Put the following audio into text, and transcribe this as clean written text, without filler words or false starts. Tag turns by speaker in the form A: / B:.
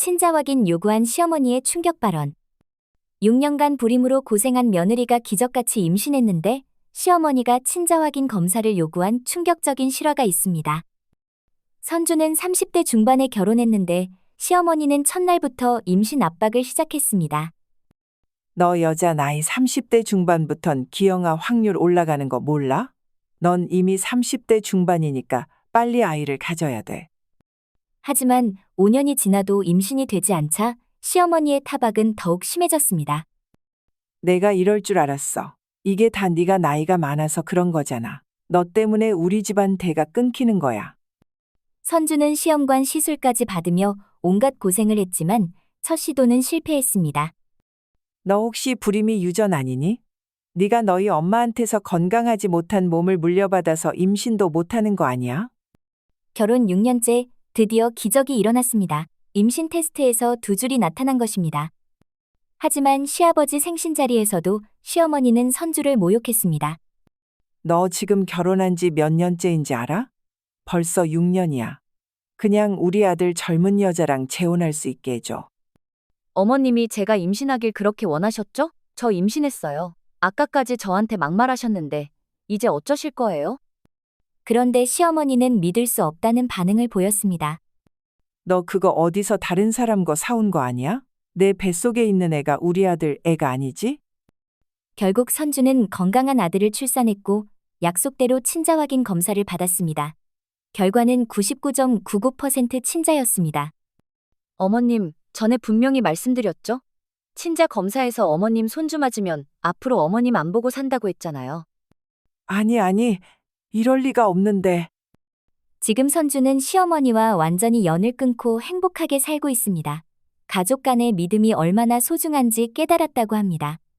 A: 친자 확인 요구한 시어머니의 충격 발언. 6년간 불임으로 고생한 며느리가 기적같이 임신했는데 시어머니가 친자 확인 검사를 요구한 충격적인 실화가 있습니다. 선주는 30대 중반에 결혼했는데 시어머니는 첫날부터 임신 압박을 시작했습니다.
B: 너 여자 나이 30대 중반부턴 기형아 확률 올라가는 거 몰라? 넌 이미 30대 중반이니까 빨리 아이를 가져야 돼.
A: 하지만 5년이 지나도 임신이 되지 않자 시어머니의 타박은 더욱 심해졌습니다.
B: 내가 이럴 줄 알았어. 이게 다 네가 나이가 많아서 그런 거잖아. 너 때문에 우리 집안 대가 끊기는 거야.
A: 선주는 시험관 시술까지 받으며 온갖 고생을 했지만 첫 시도는 실패했습니다.
B: 너 혹시 불임이 유전 아니니? 네가 너희 엄마한테서 건강하지 못한 몸을 물려받아서 임신도 못하는 거 아니야?
A: 결혼 6년째 드디어 기적이 일어났습니다. 임신 테스트에서 두 줄이 나타난 것입니다. 하지만 시아버지 생신 자리에서도 시어머니는 선주를 모욕했습니다.
B: 너 지금 결혼한 지 몇 년째인지 알아? 벌써 6년이야. 그냥 우리 아들 젊은 여자랑 재혼할 수 있게 해줘.
C: 어머님이 제가 임신하길 그렇게 원하셨죠? 저 임신했어요. 아까까지 저한테 막말하셨는데 이제 어쩌실 거예요?
A: 그런데 시어머니는 믿을 수 없다는 반응을 보였습니다.
B: 너 그거 어디서 다른 사람 거 사온 거 아니야? 내 뱃속에 있는 애가 우리 아들 애가 아니지?
A: 결국 선주는 건강한 아들을 출산했고 약속대로 친자 확인 검사를 받았습니다. 결과는 99.99% 친자였습니다.
C: 어머님, 전에 분명히 말씀드렸죠? 친자 검사에서 어머님 손주 맞으면 앞으로 어머님 안 보고 산다고 했잖아요.
B: 아니, 이럴 리가 없는데.
A: 지금 선주는 시어머니와 완전히 연을 끊고 행복하게 살고 있습니다. 가족 간의 믿음이 얼마나 소중한지 깨달았다고 합니다.